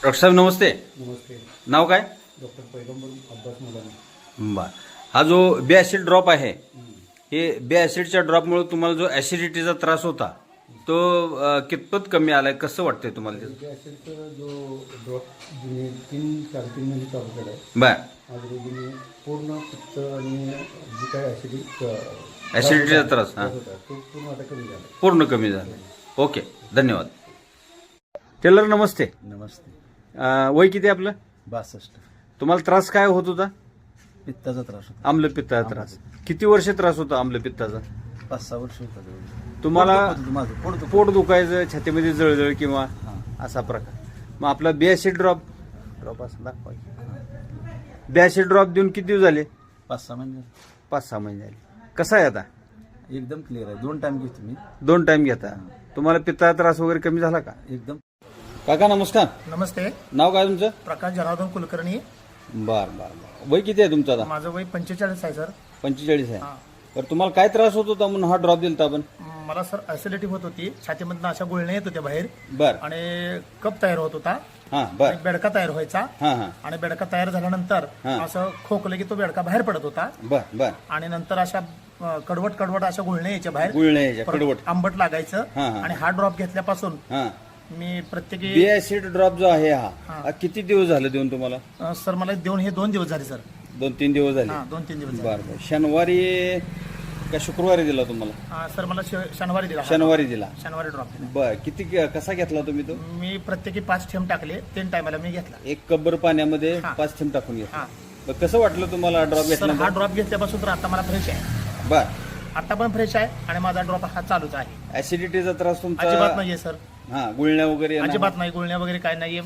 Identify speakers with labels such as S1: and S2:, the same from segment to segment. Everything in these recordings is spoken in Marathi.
S1: डॉक्टर साहेब नमस्ते.
S2: नमस्ते.
S1: नाव काय?
S2: डॉक्टर पैगंबर अब्बास मुलानी.
S1: बर. हा जो बे ॲसिड ड्रॉप आहे, हे बे ॲसिडच्या ड्रॉपमुळे तुम्हाला जो ॲसिडिटीचा त्रास होता तो कितपत कमी आलाय, कसं वाटतंय तुम्हाला ते?
S2: ॲसिडचा जो ड्रॉप जुने 3-4 महिने चालू केला आहे.
S1: बर.
S2: आज रोजीने पूर्ण पित्त आणि जी काय
S1: ॲसिडिटीचा त्रास
S2: होता तो पूर्ण आता कमी झाला.
S1: पूर्ण कमी झाला. ओके, धन्यवाद. टेलर नमस्ते.
S3: नमस्ते.
S1: वय किती आहे आपलं?
S3: 62.
S1: तुम्हाला त्रास काय होत होता?
S3: पित्ताचा त्रास होता.
S1: आम्लपित्ताचा त्रास. किती वर्ष त्रास होता आम्लपित्ताचा?
S3: 5-6 वर्ष होता.
S1: तुम्हाला
S3: माझं
S1: पोट दुखायचं, छातीमध्ये जळजळ किंवा असा प्रकार. मग आपला बे ॲसिड ड्रॉप असं दाखवा. बे ॲसिड ड्रॉप देऊन किती दिवस झाले?
S3: 5-6 महिने
S1: 5-6 महिने झाले. कसा आहे आता?
S3: एकदम क्लिअर आहे. 2 टाइम घेतो मी.
S1: 2 टाइम घेता. तुम्हाला पित्ताचा त्रास वगैरे कमी झाला का?
S3: एकदम.
S1: काका नमस्कार.
S4: नमस्ते.
S1: नाव काय तुमचं?
S4: प्रकाश जनार्दन कुलकर्णी.
S1: बर बर बर. वय किती आहे तुमचं आता?
S4: माझं वय 45 आहे सर.
S1: 45 आहे.
S4: हा.
S1: तर तुम्हाला काय त्रास होत होता म्हणून हा ड्रॉप दिलता आपण?
S4: मला सर ऍसिडिटी होत होती, छातीमधनं अशा गुळण्या येत होत्या बाहेर
S1: बर.
S4: आणि कप तयार होत होता,
S1: हा बर.
S4: आणि बेडका तयार व्हायचा,
S1: हा हा
S4: आणि बेडका तयार झाल्यानंतर
S1: हा.
S4: असं खोकलं की तो बेडका बाहेर पडत होता,
S1: बर बर.
S4: आणि नंतर अशा कडवट अशा गुळण्या यायच्या बाहेर,
S1: गुळण्या यायच्या,
S4: परत
S1: कडवट.
S4: आंबट लागायचं.
S1: हा, हा.
S4: आणि हा ड्रॉप घेतल्यापासून
S1: हा.
S4: मी प्रत्येकी
S1: बे ॲसिड ड्रॉप जो आहे हा
S4: हा.
S1: हा किती दिवस झाले देऊन तुम्हाला?
S4: सर मला देऊन हे 2 दिवस झाले सर.
S1: 2-3 दिवस झाले.
S4: हा, 2-3 दिवस झाले.
S1: बर बर. शनिवारी का शुक्रवारी दिला तुम्हाला?
S4: सर मला शनिवारी दिला.
S1: शनिवारी दिला.
S4: शनिवारी ड्रॉप दिला.
S1: बर. किती कसा घेतला तुम्ही तो?
S4: मी प्रत्येकी 5 थेंब टाकले. 3 टायमाला मी घेतला.
S1: 1 कब्बर पाण्यामध्ये
S4: हा.
S1: 5 थेंब टाकून घेतला.
S4: हा.
S1: बर, कसं वाटलं तुम्हाला ड्रॉप
S4: सर हा
S1: घेतला?
S4: ड्रॉप घेतल्यापासून तर आता मला फ्रेश आहे.
S1: बर.
S4: आता पण फ्रेश आहे आणि माझा ड्रॉप हा चालूच आहे.
S1: ऍसिडिटीचा त्रास तुमचा
S4: अजिबात नाहीये सर.
S1: हा, गुळण्या वगैरे येणं?
S4: अजिबात नाही, गुळण्या वगैरे काय नाहीये.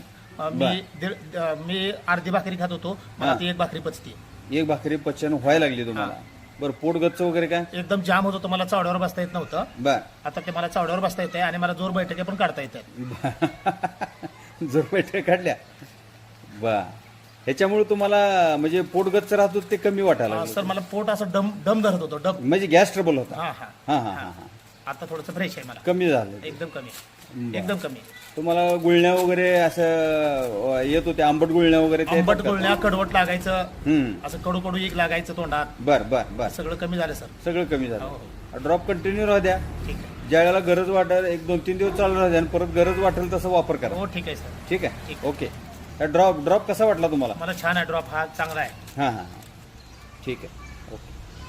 S4: मी अर्धी भाकरी खात होतो, मला
S1: हा.
S4: ती 1 भाकरी पचते.
S1: 1 भाकरी पचन व्हायला लागली तुम्हाला? बरं. पोट गच्च वगैरे काय?
S4: एकदम जाम होत होतं, मला चावड्यावर बसता येत नव्हतं.
S1: बर.
S4: आता ते मला चावड्यावर बसता येते आणि मला जोर बैठके पण काढता येतात.
S1: जर बैठक काढल्या. बर. ह्याच्यामुळे तुम्हाला म्हणजे पोट गच्च राहत होतं ते कमी वाटायला लागलं?
S4: सर मला पोट असं डम धरत होतं, डम.
S1: म्हणजे गॅस ट्रबल होता?
S4: हा हा
S1: हा हा हा.
S4: आता थोडंसं फ्रेश आहे मला.
S1: कमी झालं?
S4: एकदम कमी,
S1: बरं.
S4: एकदम कमी.
S1: तुम्हाला गुळण्या वगैरे असं येत होते, आंबट गुळण्या वगैरे ते
S4: आंबट
S1: येतात का?
S4: गुळण्या, कडवट लागायचं,
S1: हम्म.
S4: असं कडू एक लागायचं तोंडात.
S1: बर बर बर.
S4: सगळं कमी झालं सर.
S1: सगळं कमी
S4: हो,
S1: झालं. ड्रॉप कंटिन्यू राहू द्या.
S4: ठीक आहे.
S1: ज्या वेळेला गरज वाटेल 1-2-3 दिवस चालू राहू द्या आणि परत गरज वाटेल तसं वापर करा.
S4: हो ठीक आहे सर.
S1: ठीक आहे.
S4: ठीक.
S1: ओके. ड्रॉप कसा वाटला तुम्हाला?
S4: मला छान आहे ड्रॉप, हा चांगला आहे.
S1: हां हां हां. ठीक आहे. ओके.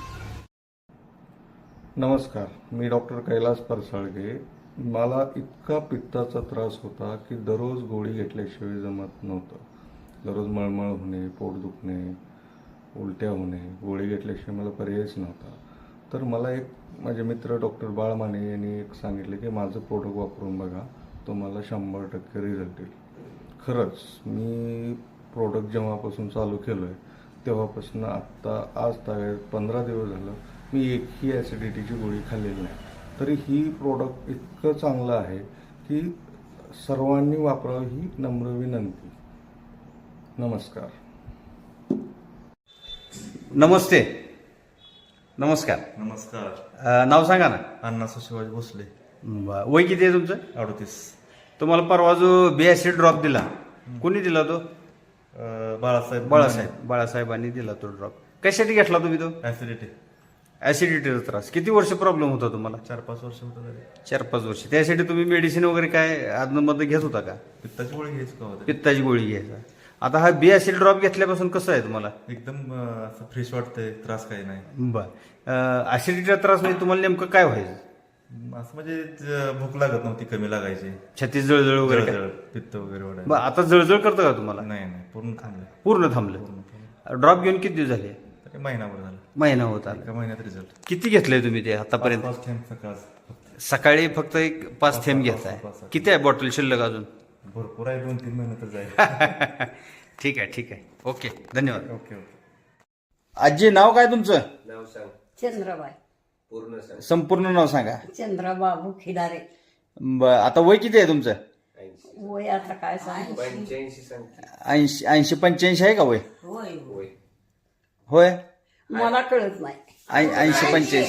S5: नमस्कार, मी डॉक्टर कैलास परसाळगे. मला इतका पित्ताचा त्रास होता की दररोज गोळी घेतल्याशिवाय जमत नव्हतं. दररोज मळमळ होणे, पोट दुखणे, उलट्या होणे, गोळी घेतल्याशिवाय मला पर्यायच नव्हता. तर मला एक माझे मित्र डॉक्टर बाळ माने यांनी एक सांगितले की माझं प्रोडक्ट वापरून बघा, तुम्हाला 100% रिझल्ट येईल. खरंच मी प्रोडक्ट जेव्हापासून चालू केलं आहे तेव्हापासून आत्ता आज तारीख 15 दिवस झालं मी एकही ॲसिडिटीची गोळी खाल्लेली नाही. तरी ही प्रोडक्ट इतकं चांगलं आहे की सर्वांनी वापरावं ही नम्र विनंती. नमस्कार.
S1: नमस्ते. नमस्कार.
S6: नमस्कार.
S1: नाव सांगा ना.
S6: अण्णासाहेब शिवाजी भोसले.
S1: वय किती आहे तुमचं?
S6: 38.
S1: तुम्हाला परवा जो बे ॲसिड ड्रॉप दिला, कोणी दिला तो?
S6: बाळासाहेब
S1: बाळासाहेबांनी दिला तो ड्रॉप. कशासाठी घेतला तुम्ही तो?
S6: ऍसिडिटी.
S1: ॲसिडिटीचा त्रास. किती वर्ष प्रॉब्लेम होता तुम्हाला?
S6: 4-5 वर्ष होतं तरी.
S1: 4-5 वर्ष. त्यासाठी तुम्ही मेडिसिन वगैरे काय आदनमध्ये घेत होता का?
S6: पित्ताची गोळी घ्यायची का होतं?
S1: पित्ताची गोळी घ्यायचा. आता हा बे ॲसिड ड्रॉप घेतल्यापासून कसं आहे तुम्हाला?
S6: एकदम असं फ्रेश वाटतंय, त्रास काही नाही.
S1: बर. ॲसिडिटीचा त्रास म्हणजे तुम्हाला नेमकं काय व्हायचं?
S6: असं म्हणजे भूक लागत नव्हती, कमी लागायची,
S1: छाती जळजळ वगैरे काय?
S6: जळजळ, पित्त वगैरे वाढायचं.
S1: बरं, आता जळजळ करतं का तुम्हाला?
S6: नाही पूर्ण थांबलं.
S1: पूर्ण थांबलं. ड्रॉप घेऊन किती दिवस झाले?
S6: तरी महिनाभर झालं.
S1: महिना होत आला.
S6: एका महिन्यात रिझल्ट.
S1: किती घेतलंय तुम्ही ते आतापर्यंत?
S6: 5 थेंब सकाळ.
S1: सकाळी फक्त 5 थेंब घेताय. किती आहे बॉटल शिल्लक अजून?
S6: भरपूर आहे, 2-3 महिने तर जाईल.
S1: ठीक आहे. ठीक आहे. ओके, धन्यवाद.
S6: ओके.
S1: आजी नाव काय तुमचं?
S7: चंद्रबाई.
S1: संपूर्ण नाव सांगा.
S7: चंद्रबाबू खिदारे.
S1: आता वय किती आहे तुमचं?
S7: वय आता काय सांग.
S1: 80-85 आहे का वय?
S7: होय
S1: होय.
S7: मला कळत नाही.
S1: 80-85.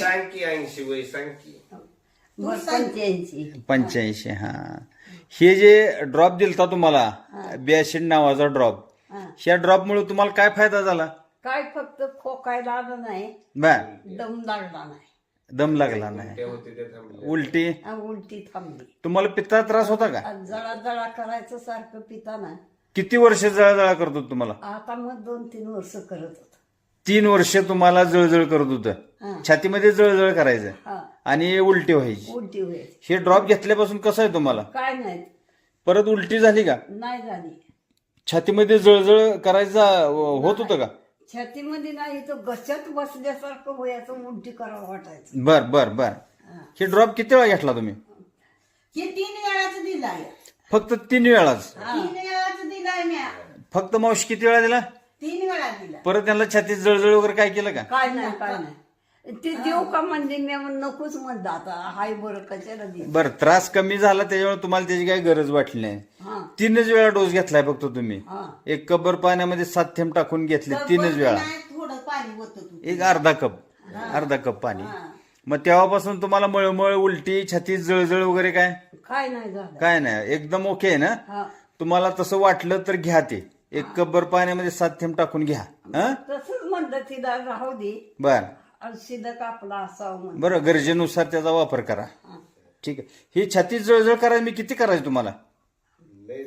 S7: 85.
S1: 85. हा. हे जे ड्रॉप दिलता तुम्हाला बी ऍसिड नावाचा ड्रॉप.
S7: हा.
S1: ह्या ड्रॉपमुळे तुम्हाला काय फायदा झाला?
S7: काय फक्त खोकायला आलं नाही,
S1: बर.
S7: दम लागला नाही,
S1: दम लागला नाही, उलटी.
S7: उलटी थांबली.
S1: तुम्हाला पित्ताचा त्रास होता का?
S7: आज जळा जळा करायचं सारखं पिताना.
S1: किती वर्ष जळजळ करत होत तुम्हाला?
S7: आता मग 2-3 वर्ष करत होत.
S1: 3 वर्ष तुम्हाला जळजळ करत होतं,
S7: हा.
S1: छातीमध्ये जळजळ करायचं
S7: हा,
S1: आणि उलटी व्हायची.
S7: उलटी व्हायची.
S1: हे ड्रॉप घेतल्यापासून कसं आहे तुम्हाला?
S7: काय नाही,
S1: परत उलटी झाली का?
S7: नाही झाली.
S1: छातीमध्ये जळजळ करायचा होत होतं का?
S7: छातीमध्ये नाही, तो घशात बसल्यासारखं व्हायचं, उलटी करावं वाटायचं.
S1: बर बर बर. हे ड्रॉप किती वेळा घेतला तुम्ही?
S8: हे 3 वेळाच दिलाय.
S1: फक्त 3 वेळाच?
S8: 3 वेळाच दिलाय म्या.
S1: फक्त मावशी किती वेळा दिला?
S8: 3 वेळा दिला.
S1: परत त्यांना छातीत जळजळ वगैरे काय केलं का?
S7: काय नाही, काय नाही. ते देऊ का म्हणजे मी नकोच म्हणलं, आता हाय बरं कशाला दे.
S1: बरं, त्रास कमी झाला त्याच्यामुळे तुम्हाला त्याची काही गरज वाटली नाही.
S7: हा
S1: 3च वेळा डोस घेतलाय फक्त तुम्ही.
S7: हा.
S1: एक कपभर पाण्यामध्ये 7 थेंब टाकून घेतले 3च वेळा.
S8: नाही, थोडं पाणी होतं तू.
S1: एक अर्धा कप पाणी. मग तेव्हापासून तुम्हाला मळमळ, उलटी, छातीत जळजळ वगैरे काय?
S7: काय नाही झालं.
S1: काय नाही, एकदम ओके आहे ना?
S7: हा,
S1: तुम्हाला तसं वाटलं तर घ्या ते. एक कपभर पाण्यामध्ये 7 थेंब टाकून घ्या. हं?
S7: तसंच म्हणलं तिला राहू दे,
S1: बर.
S7: शिदा कापला असावं म्हणलं.
S1: बरं, गरजेनुसार त्याचा वापर करा. ठीक आहे. ही छातीत जळजळ करायला मी किती करायची तुम्हाला?
S8: लय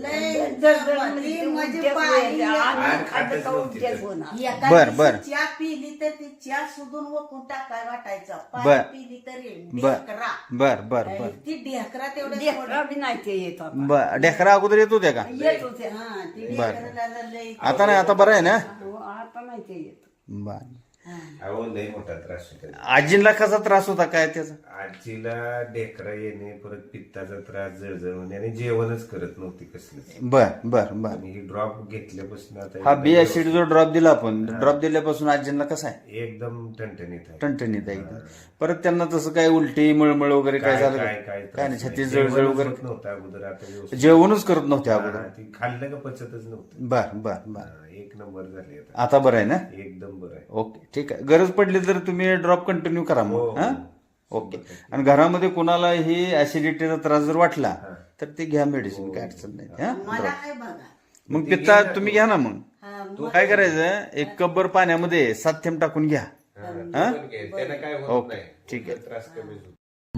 S7: जळजळ म्हणजे ते
S8: म्हणजे
S7: उलट्याच
S8: पाणी
S7: व्हायच्या. आणि खाल्लं का उलट्याच होणार.
S8: एका
S1: बर,
S8: दिवशी
S1: बर.
S8: चहा पिली तर ती चहा सुधून वकून टाकाय वाटायचं.
S1: बर.
S8: पाणी पिली तरी
S1: बर
S8: ढेकरा.
S1: बर बर बर
S8: ती ढेकरा तेवढं
S7: लेकरं बी नाही ते येत आता.
S1: बर. ढेकरा अगोदर येत होत्या का?
S7: येत होते.
S8: हा, ती
S1: बर.
S8: ढेकराला लय
S1: आता नाही, आता बरं आहे ना?
S7: आता नाही ते येत.
S1: बर.
S9: अहो लय मोठा त्रास होता.
S1: आजींना कसा त्रास होता काय त्याचा?
S9: आजीला ढेकरा येणे, परत पित्ताचा त्रास, जळजळ होणे आणि जेवणच करत नव्हती कसलंच.
S1: बर बर बर.
S9: आणि ही ड्रॉप घेतल्यापासून आता
S1: हा बी ऍसिड जो ड्रॉप दिला आपण, ड्रॉप दिल्यापासून आजींना कसा आहे?
S9: एकदम ठणठणीत आहे.
S1: टणटणीत आहे एकदम. परत त्यांना तसं काय उलटी, मळमळ वगैरे काय झालं का? काय नाही, छातीत जळजळ वगैरे
S9: नव्हतं अगोदर. आता व्यवस्थित
S1: जेवणच करत नव्हते अगोदर.
S9: हा, ती खाल्लं का पचतच नव्हतं.
S1: बर बर बर.
S9: हा, 1 नंबर झाले आता.
S1: आता बरं आहे ना?
S9: एकदम बरं आहे.
S1: ओके, ठीक आहे. गरज पडली तर तुम्ही ड्रॉप कंटिन्यू करा
S9: हो,
S1: मग. हा,
S9: हो.
S1: ओके. आणि घरामध्ये कोणाला ही ऍसिडिटीचा त्रास जर वाटला तर ते घ्या मेडिसिन, काय अडचण नाही. हा,
S8: मला
S1: drop.
S8: काय बघा.
S1: मग पित्ता तुम्ही घ्या ना. मग
S8: हा,
S1: काय करायचं, एक कपभर पाण्यामध्ये 7 थेंब टाकून घ्या. हा, ओके, ठीक आहे.
S9: त्रास कमी होतो.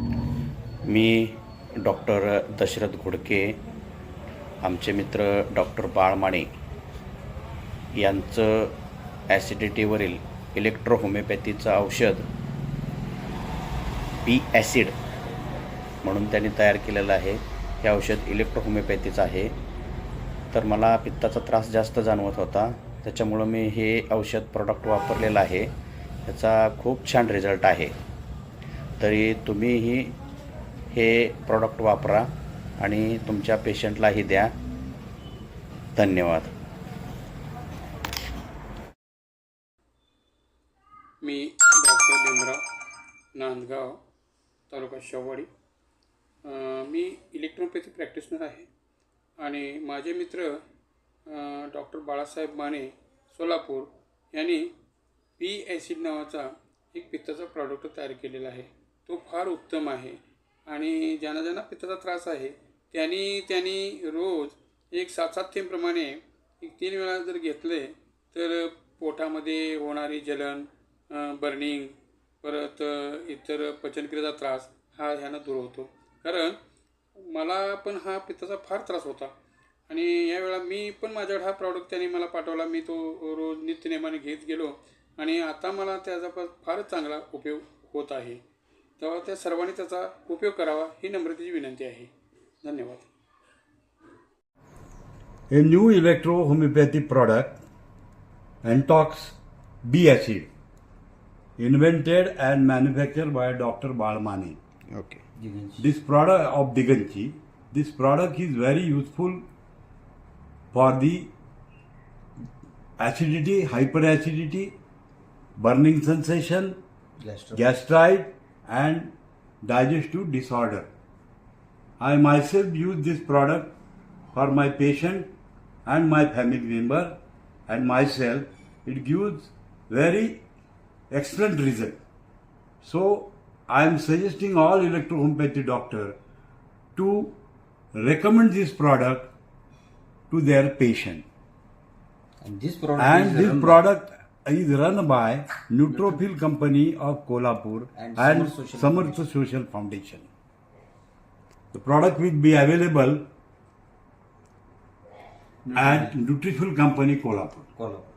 S10: मी डॉक्टर दशरथ घोडके, आमचे मित्र डॉक्टर बाळमाणे यांचं ॲसिडिटीवरील इलेक्ट्रो होमिओपॅथीचं औषध बी ॲसिड म्हणून त्यांनी तयार केलेलं आहे. हे औषध इलेक्ट्रो होमिओपॅथीचं आहे. तर मला पित्ताचा त्रास जास्त जाणवत होता, त्याच्यामुळं मी हे औषध प्रॉडक्ट वापरलेलं आहे. त्याचा खूप छान रिझल्ट आहे. तरी तुम्हीही हे प्रॉडक्ट वापरा आणि तुमच्या पेशंटलाही द्या. धन्यवाद.
S11: मी डॉक्टर भीमराव, नांदगाव, तालुका शेववाडी. मी इलेक्ट्रोपॅथी प्रॅक्टिशनर आहे आणि माझे मित्र डॉक्टर बाळासाहेब माने, सोलापूर यांनी बी ॲसिड नावाचा एक पित्ताचा प्रॉडक्ट तयार केलेला आहे. तो फार उत्तम आहे आणि ज्यांना ज्यांना पित्ताचा त्रास आहे त्यांनी रोज एक 7-7 थेंबप्रमाणे 3 वेळा जर घेतले तर पोटामध्ये होणारी जलन, बर्निंग, परत इतर पचनक्रियेचा त्रास हा ह्यानं दूर होतो. कारण मला पण हा पित्ताचा फार त्रास होता आणि यावेळा मी पण माझ्याकडे हा प्रॉडक्ट त्यांनी मला पाठवला. मी तो रोज नित्यनेमाने घेत गेलो आणि आता मला त्याचा फारच चांगला उपयोग होत आहे. तेव्हा त्या सर्वांनी त्याचा उपयोग करावा ही नम्रतेची विनंती आहे. धन्यवाद.
S2: A new electro-homeopathy product, Antox B-acid, invented and manufactured by Dr. Balmani.
S1: Okay.
S2: This product of Diganchi, this product is very useful for the acidity, hyperacidity, burning sensation, gastrite and digestive disorder. I myself use this product for my patient and my family member and myself. It gives very excellent result. So I am suggesting all electro-homeopathy doctor to recommend this product to their patient.
S1: And this product
S2: And
S1: is
S2: this
S1: run by-
S2: product is run by Neutrophil Company of Kolhapur
S1: And
S2: and
S1: Samarth Social
S2: Samarth Social Foundation. The product will be available at Nutrifil Company Kolhapur.
S1: Kolhapur.